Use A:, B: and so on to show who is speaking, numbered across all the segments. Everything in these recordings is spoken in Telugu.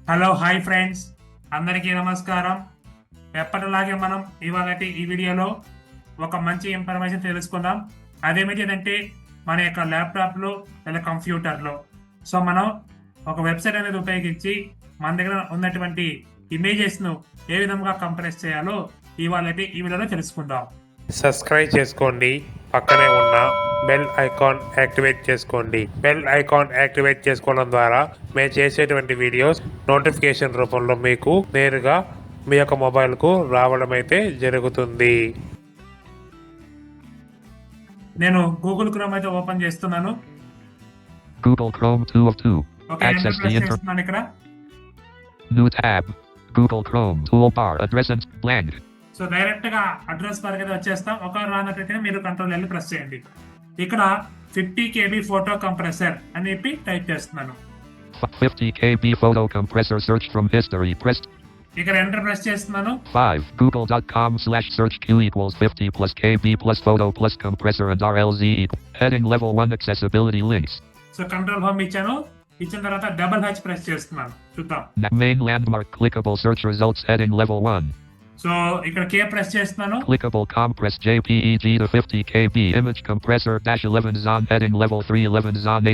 A: హలో హాయ్ ఫ్రెండ్స్, అందరికీ నమస్కారం. ఎప్పటిలాగే మనం ఇవాళ ఈ వీడియోలో ఒక మంచి ఇన్ఫర్మేషన్ తెలుసుకుందాం. అదేమిటంటే మన యొక్క ల్యాప్టాప్లో లేదా కంప్యూటర్లో మనం ఒక వెబ్సైట్ అనేది ఉపయోగించి మన దగ్గర ఉన్నటువంటి ఇమేజెస్ను ఏ విధంగా కంప్రెస్ చేయాలో ఇవాళ ఈ వీడియోలో తెలుసుకుందాం.
B: సబ్స్క్రైబ్ చేసుకోండి, పక్కనే ఉన్న బెల్ ఐకాన్ యాక్టివేట్ చేసుకోండి. బెల్ ఐకాన్ యాక్టివేట్ చేసుకోవడం ద్వారా మేము చేసేటువంటి వీడియోస్ నోటిఫికేషన్ రూపంలో మీకు నేరుగా మీ యొక్క మొబైల్కు రావడం అయితే జరుగుతుంది.
A: నేను గూగుల్ క్రోమ్ అయితే ఓపెన్ చేస్తున్నాను.
C: Google Chrome 2 of 2.
A: Okay,
C: Access the
A: enter చేస్తున్నాను. ఇక్కడ
C: New tab. Google Chrome toolbar address and blank.
A: So direct గా అడ్రస్ బార్ అయితే వచ్చేస్తాం. ఒక రానట్లయితే మీరు కంట్రోల్ L ప్రెస్ చేయండి. ఇక్కడ 50 KB ఫోటో కంప్రెసర్ అని చెప్పి టైప్ చేస్తున్నాను.
C: 50 KB photo compressor search from history pressed.
A: ఇక్కడ ఎంటర్ ప్రెస్ చేస్తున్నాను.
C: 5. Google.com/search Q equals 50 plus KB plus photo plus compressor and RLZ. Heading level 1 accessibility links.
A: So control home ఇచ్చాను. ఇచ్చిన తర్వాత డబుల్ H ప్రెస్ చేస్తున్నాను. చూద్దాం.
C: Main landmark clickable search results heading level 1.
A: So ఇక్కడ K ప్రెస్ చేస్తున్నాను.
C: Clickable compress JPEG to 50 KB image compressor -11 zon heading level 3 11 zon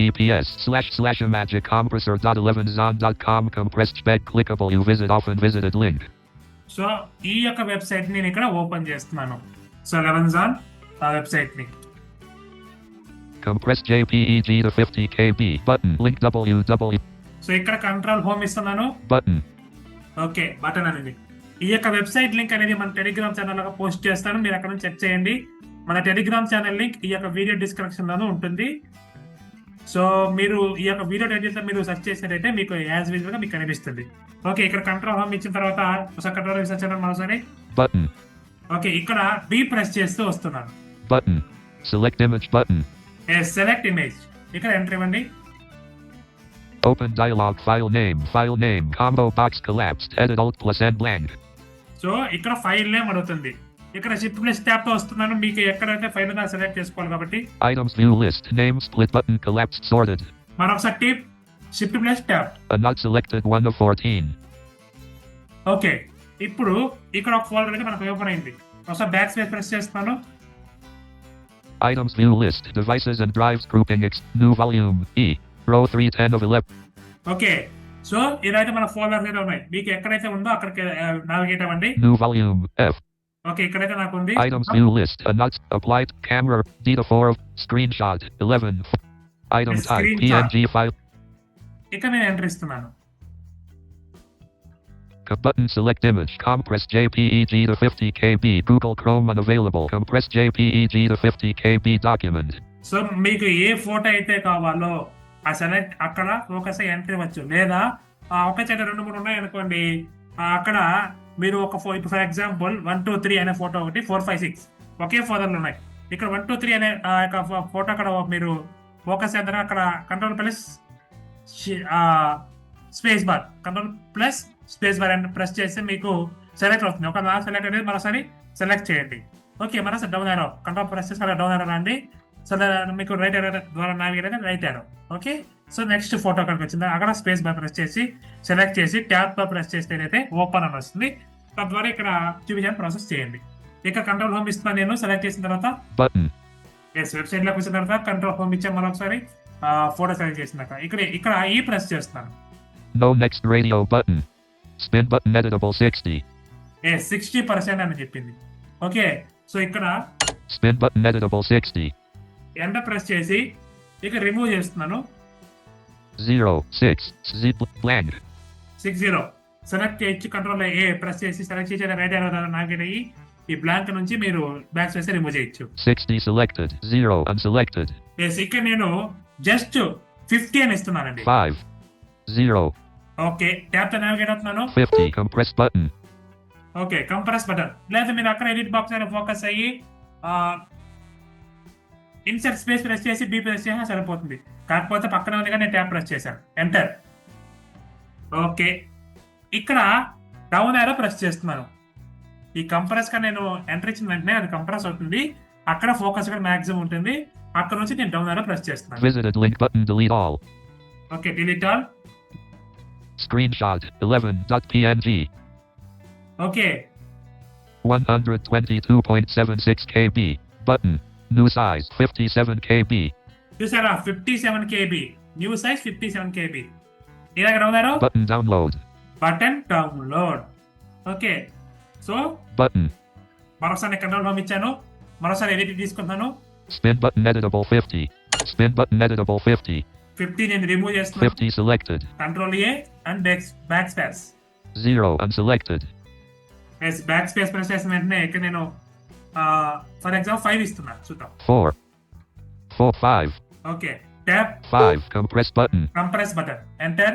C: https://imagicompressor.11zon.com compressed spec clickable you visit often visited link.
A: So ఈ యొక్క వెబ్సైట్ నేను ఇక్కడ ఓపెన్ చేస్తున్నాను. సో 11 జాన్ ఆ వెబ్సైట్ ని
C: Compressed JPEG to 50 KB button link www.
A: So ఇక్కడ కంట్రోల్ హోమ్ ఇస్తున్నాను.
C: Button.
A: ఓకే, బటన్ అనేది ఈ యొక్క వెబ్సైట్ లింక్ అనేది మన టెలిగ్రామ్ ఛానల్ లో పోస్ట్ చేస్తాను. మీరు అక్కడ నుంచి చెక్ చేయండి. మన టెలిగ్రామ్ ఛానల్ లింక్ ఈ యొక్క వీడియో డిస్క్రిప్షన్ లోనూ ఉంటుంది. సో మీరు ఈ యొక్క వీడియో టైటిల్ మీరు సెర్చ్ చేసినట్టయితే మీకు యాజ్ విజువల్ గా మీకు కనిపిస్తుంది. ఓకే, ఇక్కడ కంట్రోల్ హోమ్ ఇచ్చిన తర్వాత ఒకసారి కంట్రోల్ రీసెర్చ్ చేయడం మరోసారి.
C: Button.
A: ఓకే, ఇక్కడ బి ప్రెస్ చేస్తూ వస్తున్నాను.
C: Button. Select image button.
A: Select image ఇక్కడ ఎంటర్ ఇవ్వండి.
C: Open dialog file name combo box collapsed edit alt plus n blank.
A: So ఇక్కడ ఫైల్ నేమ్ అడుగుతుంది. ఇక్కడ షిఫ్ట్ ప్లస్ ట్యాబ్ తో వస్తున్నాను. మీకు ఎక్కడైతే ఫైల్ ఉందో సెలెక్ట్ చేసుకోవాలి కాబట్టి
C: Items view list name split button collapsed sorted.
A: మరొకసారి tip shift plus tab.
C: A not selected 1 of 14.
A: Okay, ఇప్పుడు ఇక్కడ ఒక ఫోల్డర్ అయితే మనకు ఓపెన్ అయింది. ఒకసారి బ్యాక్ స్పేస్ ప్రెస్ చేస్తాను.
C: Items view list devices and drives grouping new volume E row 310 of 11.
A: Okay, so ఇదైతే మన ఫోల్డర్స్ అయితే ఉన్నాయి. మీకు ఎక్కడైతే ఉందో అక్కడికి నావిగేట్ అవ్వండి.
C: New volume F.
A: ఓకే, ఇక్కడైతే నాకు ఉంది.
C: Items view list a not applied camera data 4 of screenshot 11. Item type
A: Screenshot.
C: PNG file.
A: ఇక్కడ నేను ఎంటర్ ఇస్తున్నాను.
C: Button select image compress JPEG to 50 KB Google Chrome unavailable compress JPEG to 50 KB document.
A: So మీకు ఏ ఫోటో అయితే కావాలో ఆ సెలెక్ట్ అక్కడ ఫోకస్ ఎంటర్ ఇవ్వచ్చు. లేదా ఒక చెట్టు 2 3 ఉన్నాయి అనుకోండి, అక్కడ మీరు ఒక ఇప్పుడు ఫర్ ఎగ్జాంపుల్ 1 2 3 అనే ఫోటో ఒకటి 4 5 6 ఒకే ఫోటోలు ఉన్నాయి. ఇక్కడ 1 2 3 అనే ఫోటో అక్కడ మీరు ఫోకస్ చేద్దాం. అక్కడ కంట్రోల్ ప్లస్ స్పేస్ బార్ అని ప్రెస్ చేస్తే మీకు సెలెక్ట్ అవుతుంది. ఒక సెలెక్ట్ అనేది మరోసారి సెలెక్ట్ చేయండి. ఓకే, మరోసారి డౌన్ యారో కంట్రోల్ ప్రెస్ చేసి డౌన్ యారో రండి. సో మీకు రైట్ యారో ద్వారా నావిగేట్ అయితే right arrow. Okay, so next photo అక్కడికి వచ్చింది. అక్కడ స్పేస్ బార్ ప్రెస్ చేసి సెలెక్ట్ చేసి ట్యాబ్ బార్ ప్రెస్ చేస్తే అయితే ఓపెన్ అని వస్తుంది. తద్వారా ఇక్కడ చూపించాలని ప్రాసెస్ చేయండి. ఇక్కడ కంట్రోల్ హోమ్ ఇస్తున్నాను నేను. సెలెక్ట్ చేసిన తర్వాత వెబ్సైట్ లోకి వచ్చిన తర్వాత కంట్రోల్ హోమ్ ఇచ్చాను. మరొకసారి ఫోటో సెలెక్ట్ చేసినాక ఇక్కడ ఈ ప్రెస్ చేస్తున్నాను.
C: No next radio button. Spin button editable 60.
A: 60% అని చెప్పింది. ఓకే, సో ఇక్కడ
C: Spin button editable 60.
A: Enter press చేసి ఇక రిమూవ్ చేస్తున్నాను.
C: 0 6 Z blank.
A: 60 సెలెక్ట్ చేసి కంట్రోల్ ఏ ప్రెస్ చేసి సెలెక్ట్ చేసి రైట్ యారో నావిగేట్ అయ్యి ఈ బ్లాంక్ నుంచి మీరు బ్యాక్ స్పేస్ రిమూవ్ చేయొచ్చు.
C: 60 selected 0 unselected.
A: ఇక్కడ నేను జస్ట్ 50 అని ఇస్తున్నానండి.
C: 5 0.
A: ఓకే, ట్యాబ్ తో నావిగేట్ అవుతున్నాను.
C: 50 compress button.
A: Okay, compress button. లేదా మీరు అక్కడ ఎడిట్ బాక్స్ అయినా ఫోకస్ అయ్యి ఇన్సర్ట్ స్పేస్ ప్రెస్ చేసి బి ప్రెస్ చేసినా సరిపోతుంది. కాకపోతే పక్కన ఉంది నేను ట్యాబ్ ప్రెస్ చేశాను. ఎంటర్. ఓకే, ఇక్కడ డౌన్ యారో ప్రెస్ చేస్తున్నాను. ఈ కంప్రెస్ గా నేను ఎంటర్ ఇచ్చిన వెంటనే అది కంప్రెస్ అవుతుంది. అక్కడ ఫోకస్ కూడా మాక్సిమం ఉంటుంది. అక్కడ నుంచి నేను డౌన్ యారో ప్రెస్ చేస్తున్నాను.
C: Visited link button delete all.
A: Okay, delete all.
C: screenshot 11.png.
A: Okay
C: 122.76 KB. Button. New size 57 KB.
A: చూసారా 57 KB, న్యూ సైజ్ 57 KB. ఇలా ఎక్కడ ఉన్నారు?
C: Button download.
A: Button download. Okay, so
C: Button.
A: మరోసారి కంట్రోల్ పంపించాను, మరోసారి ఎడిట్ తీసుకుంటాను.
C: Spin button editable 50. Spin button editable 50.
A: 50 నేను రిమూవ్ చేస్తున్నాను.
C: 50 selected.
A: Control A and back space.
C: 0 unselected.
A: Yes, back space press చేసిన వెంటనే ఇక్కడ నేను ఫర్ ఎగ్జాంపుల్ 5 ఇస్తున్నాను, చూద్దాం.
C: 4. 5.
A: Okay, tab
C: 5 compress button.
A: Compress button, enter.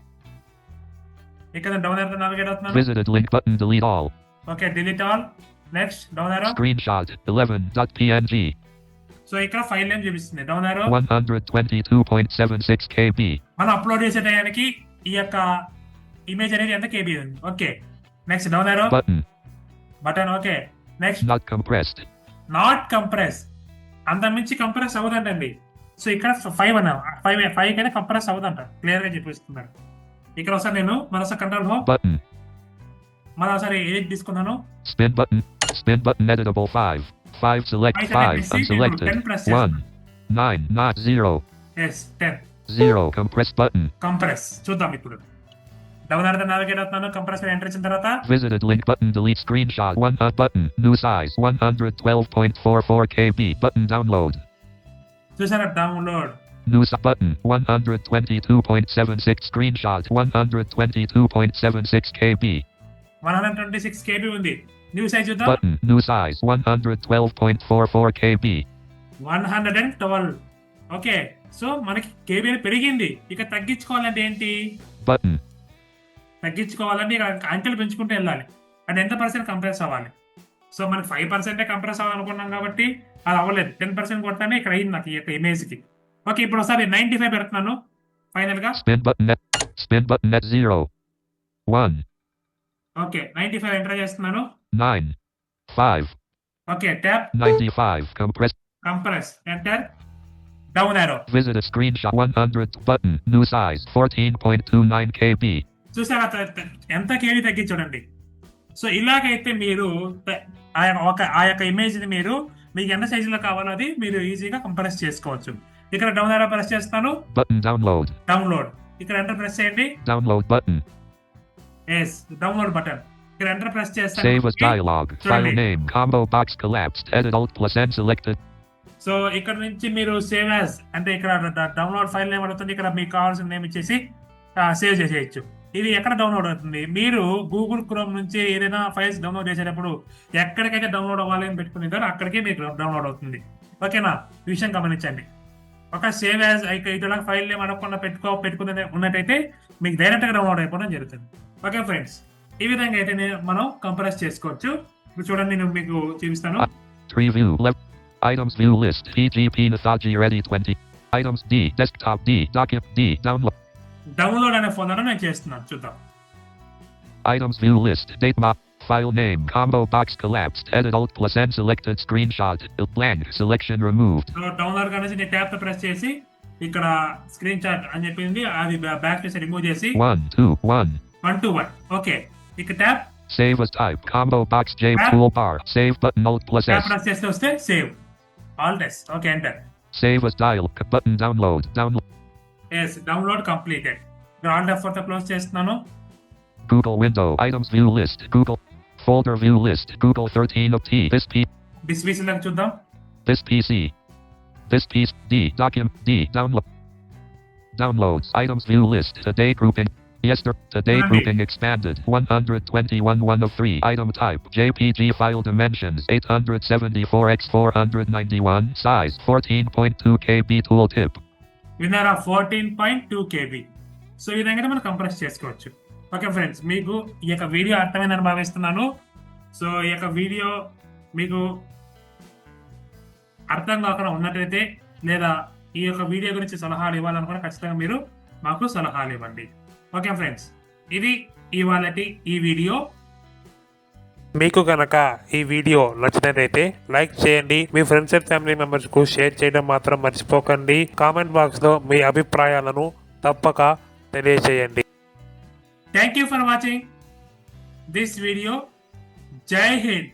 A: ఇక్కడ డౌన్ యారో నావిగేట్ అవుతున్నాను.
C: Visited link button delete all.
A: Okay, delete all. Next down arrow.
C: Screenshot 11.png.
A: So ఇక్కడ ఫైల్ నేమ్ చూపిస్తుంది, డౌన్ యారో.
C: 122.76 KB.
A: మనం అప్లోడ్ చేసే టయానికి ఈ యొక్క ఇమేజ్ అనేది ఎంత KB ఉంది. Okay, next down arrow
C: Button.
A: Button. Okay, next
C: Not compressed.
A: Not compress, అంత మించి కంప్రెస్ అవ్వదండి. సో ఇక్కడ 5 అన్నా, 5 కైనా కంప్రెస్ అవ్వదంట, క్లియర్ గా చెప్పిస్తున్నాను. ఇక్కడ ఒకసారి నేను మరోసారి కంట్రోల్ హోమ్,
C: Button.
A: మరోసారి ఎడిట్ తీసుకున్నాను.
C: Spin button. Spin button editable 5. 5 select 5 unselected. 1. 9 not 0.
A: Yes, 10
C: 0 compress button.
A: Compress. చూద్దాం ఇప్పుడు. డౌన్ యారో నావిగేట్ అవుతున్నాను, కంప్రెస్ ఎంటర్ ఇచ్చిన తర్వాత
C: Visited link button delete screenshot 1 button new size 112.44 KB button download.
A: చూసారా download.
C: New button 122.76 screenshot 122.76 KB.
A: 126 KB ఉంది. న్యూ సైజ్ చూద్దాం.
C: Button new size 112.44 KB.
A: 112. Okay, so మనకి KB పెరిగింది. ఇక తగ్గించుకోవాలంటే ఏంటి?
C: Button.
A: తగ్గించుకోవాలంటే ఇక్కడ అంకెలు పెంచుకుంటూ వెళ్ళాలి. అది ఎంత పర్సెంట్ కంప్రెస్ అవ్వాలి. సో మనకి 5% కంప్రెస్ అవ్వాలనుకున్నాం కాబట్టి అది అవ్వలేదు. 10% కొట్టానే ఇక్కడ అయింది నాకు ఈ యొక్క ఇమేజ్ కి. ఓకే, ఇప్పుడు ఒకసారి 95 పెడుతున్నాను ఫైనల్ గా.
C: Spin button net 0. 1.
A: Okay, 95 enter చేస్తున్నాను.
C: 9. 5.
A: Okay, tab
C: 95
A: compress, enter. Down arrow.
C: Visit a screenshot 100 button new size 14.29 KB.
A: చూసారా ఎంత KB తగ్గి చూడండి. సో ఇలాగైతే మీరు ఆ యొక్క ఇమేజ్ ని మీరు మీకు ఎంత సైజులో కావాలో అది మీరు ఈజీగా కంప్రెస్ చేసుకోవచ్చు. ఇక్కడ డౌన్ యారో ప్రెస్ చేస్తాను.
C: Button download.
A: ఇక్కడ ఎంటర్ ప్రెస్ చేయండి.
C: Download button.
A: Yes, download button. ఇక్కడ ఎంటర్ ప్రెస్ చేస్తాను.
C: Save as dialog. File name combo box collapsed. Edit alt plus n selected.
A: So ఇక్కడ నుంచి మీరు సేవ్ యాజ్ అంటే ఇక్కడ డౌన్లోడ్ ఫైల్ నేమ్ అవుతుంది. ఇక్కడ మీకు కావాల్సిన నేమ్ ఇచ్చేసి సేవ్ చేసేయచ్చు. ఇది ఎక్కడ డౌన్లోడ్ అవుతుంది? మీరు గూగుల్ క్రోమ్ నుంచి ఏదైనా ఫైల్స్ డౌన్లోడ్ చేసేటప్పుడు ఎక్కడికైతే డౌన్లోడ్ అవ్వాలి అని పెట్టుకున్నారో అక్కడికే మీకు డౌన్లోడ్ అవుతుంది. ఓకేనా, ఈ విషయం గమనించండి. ఒక సేవ్ యాజ్ ఇట్లా ఫైల్ నేమ్ అడగకుండా పెట్టుకునే ఉన్నట్టయితే మీకు డైరెక్ట్ గా డౌన్లోడ్ అయిపోవడం జరుగుతుంది. ఓకే ఫ్రెండ్స్, ఈ విధంగా అయితే మనం కంప్రెస్ చేసుకోవచ్చు. ఇప్పుడు చూడండి, నేను మీకు చూపిస్తాను.
C: Tree view left. Items view list. PGP Nathaji ready 20. Items D. Desktop D. Document D. Download.
A: Download అనే ఫోల్డర్ నేను చేస్తున్నాను, చూద్దాం.
C: Items view list. Date map. File name combo box collapsed. Edit alt plus n selected screenshot. Blank selection removed.
A: So download కనేసి నేను ట్యాబ్ తో ప్రెస్ చేసి ఇక్కడ స్క్రీన్ షాట్ అని చెప్పింది అది బ్యాక్ స్పేస్ రిమూవ్ చేసి 121. ఓకే, ఇక్కడ tab
C: save as type combo box J toolbar. Save button alt plus
A: tab
C: S.
A: ప్రెస్ చేస్తే వస్తే save alt S. Okay, enter.
C: Save as dial button download.
A: Yes, download completed. Alt F4 తో క్లోజ్ చేస్తున్నాను.
C: Google window. Items view list. Google folder view list. Google 13 of T. This P.
A: Displays లాగా చూద్దాం.
C: This PC. This piece D. Document D. Downloads. Items view list. Today grouping. Today grouping expanded. 121 1 of 3. Item type JPG. File dimensions 874x491. Size 14.2 KB. Tooltip.
A: విన్నారా, 14.2 KB. సో ఈ విధంగా మనం కంప్రెస్ చేసుకోవచ్చు. ఓకే ఫ్రెండ్స్, మీకు ఈ యొక్క వీడియో అర్థమైందని భావిస్తున్నాను. సో ఈ యొక్క వీడియో మీకు అర్థం కాకుండా ఉన్నట్లయితే లేదా ఈ యొక్క వీడియో గురించి సలహాలు ఇవ్వాలనుకున్నా ఖచ్చితంగా మీరు మాకు సలహాలు ఇవ్వండి. ఓకే ఫ్రెండ్స్, ఇది ఇవాళటి ఈ వీడియో.
B: మీకు కనుక ఈ వీడియో నచ్చినట్లయితే లైక్ చేయండి. మీ ఫ్రెండ్స్ అండ్ ఫ్యామిలీ మెంబర్స్ కు షేర్ చేయడం మాత్రం మర్చిపోకండి. కామెంట్ బాక్స్ లో మీ అభిప్రాయాలను తప్పక తెలియజేయండి.
A: Thank you for watching this video. జై హింద్.